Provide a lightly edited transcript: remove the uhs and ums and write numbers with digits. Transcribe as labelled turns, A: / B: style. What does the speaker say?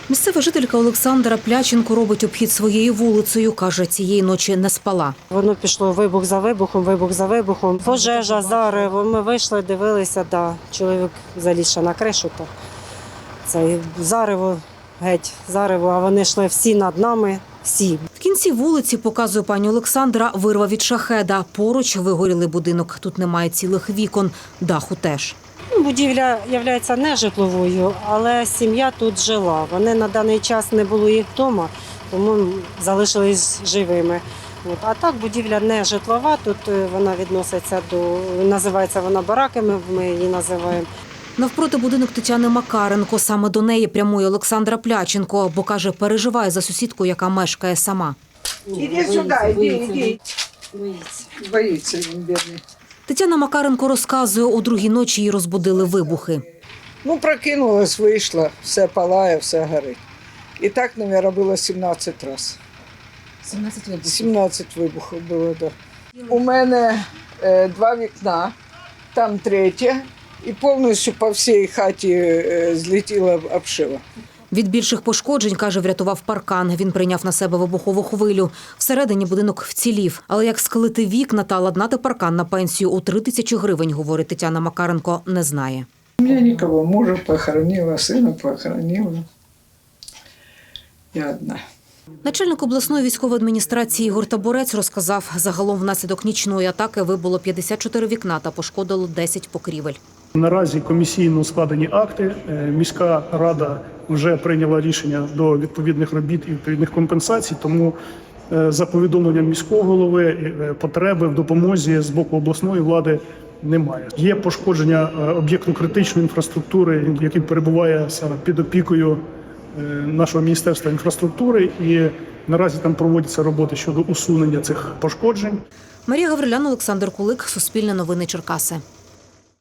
A: Місцева жителька Олександра Пляченко робить обхід своєю вулицею. Каже, цієї ночі не спала.
B: Воно пішло вибух за вибухом. Пожежа, зарево. Ми вийшли, дивилися, чоловік заліз на кришу. Це зарево, геть зарево, а вони йшли всі над нами, всі.
A: В кінці вулиці, показує пані Олександра, вирва від шахеда. Поруч вигорілий будинок. Тут немає цілих вікон, даху теж.
B: Будівля є не житловою, але сім'я тут жила. Вони на даний час не було їх вдома, тому залишились живими. А так будівля не житлова, тут вона відноситься називається вона бараками, ми її називаємо.
A: Навпроти будинок Тетяни Макаренко. Саме до неї прямує Олександра Пляченко, бо, каже, переживає за сусідку, яка мешкає сама.
C: Іди сюди, іди. Боїться він, бідний.
A: Тетяна Макаренко розказує, о другій ночі її розбудили вибухи.
C: Прокинулась, вийшла, все палає, все горить. І так, мабуть, було 17 разів.
A: 17 вибухів?
C: 17 вибухів було, так. У мене 2 вікна, там 3, і повністю по всій хаті злетіла обшива.
A: Від більших пошкоджень, каже, врятував паркан. Він прийняв на себе вибухову хвилю. Всередині будинок вцілів. Але як склити вікна та ладнати паркан на пенсію у 3000 гривень, говорить Тетяна Макаренко, не знає.
C: У мене нікого, мужа похоронила, сина похоронила. Я одна.
A: Начальник обласної військової адміністрації Ігор Табурець розказав, загалом внаслідок нічної атаки вибуло 54 вікна та пошкодило 10 покрівель.
D: Наразі комісійно складені акти. Міська рада вже прийняла рішення до відповідних робіт і відповідних компенсацій, тому за повідомленням міського голови потреби в допомозі з боку обласної влади немає. Є пошкодження об'єкту критичної інфраструктури, який перебуває саме під опікою нашого Міністерства інфраструктури, і наразі там проводяться роботи щодо усунення цих пошкоджень.
A: Марія Гаврилян, Олександр Кулик, Суспільне новини Черкаси.